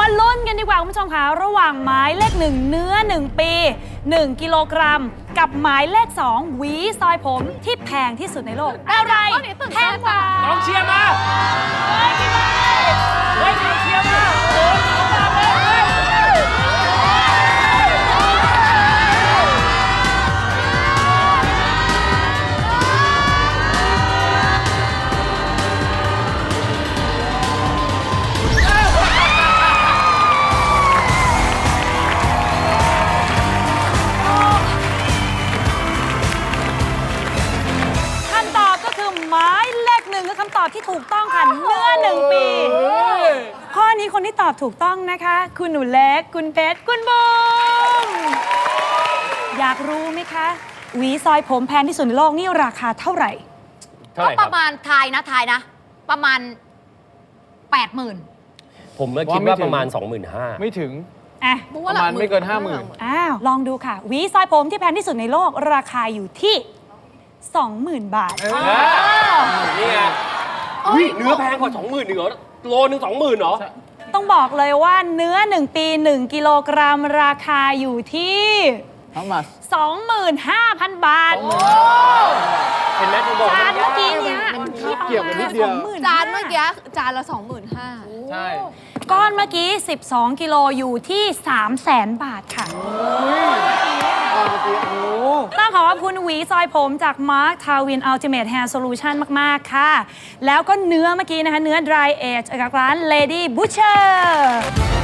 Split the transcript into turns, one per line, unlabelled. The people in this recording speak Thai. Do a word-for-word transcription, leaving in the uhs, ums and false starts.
มาลุ้นกันดีกว่าคุณผู้ชมคะระหว่างหมายเลขหนึ่งเนื้อหนึ่งปีหนึ่งกิโลกรัมกับหมายเลขสองหวีซอยผมที่แพงที่สุดในโลกอะไรแพงกว่าก
องเชียร์มา
เฮ้ยพี่ไม้
เฮ้ยกองเชียร์มาโอ้โหมาเลย
คำตอบก็คือหมายเลขหนึ่งคือคำตอบที่ถูกต้องค่ะเนื้อหนึ่งปี ข้อนี้คนที่ตอบถูกต้องนะคะ คุณหนูเล็กคุณเพชรคุณบูมอยากรู้ไหมคะหวีซอยผมแพงที่สุดในโลกนี่ราคาเท่าไหร่
เท่า
ก็
ไหร่ค
ป
รับ
ระมาณทายนะทายนะ ประมาณแปดหมื่น
ผมเมื่อคิดว่าประมาณ สองหมื่นห้าพัน
ไม่ถึง
อ่ะ
ประมาณไม่เกินห้าหมื่น
อ้าวลองดูค่ะหวีซอยผมที่แพงที่สุดในโลกราคาอยู่ที่ สองหมื่น บาท
นี่ไงอุ้ยเนื้อแพงกว่า สองหมื่นเหรอโลนึง สองหมื่นเหรอ
ต้องบอกเลยว่าเนื้อหนึ่งปีหนึ่งกิโลกรัมราคาอยู่ที่
How much
สองหมื่นห้าพัน บาท
เห็นไหมคุณบอก
จาน
มัน
เมื่
ยา
อก กี้เนี้ย
เกี่ยวกันนิดเดียว
จานเมื่อกี้จานละสองหมื่นห้า
ใช่
ก้อนเมื่อกี้ สิบสอง กิโลอยู่ที่ สามแสน บาทค่ะ ต้องขอขอบคุณหวีซอยผมจาก Mark Tawin Ultimate Hair Solution มาก ๆ ค่ะ แล้วก็เนื้อเมื่อกี้นะคะ เนื้อ Dry Age จากร้าน Lady Butcher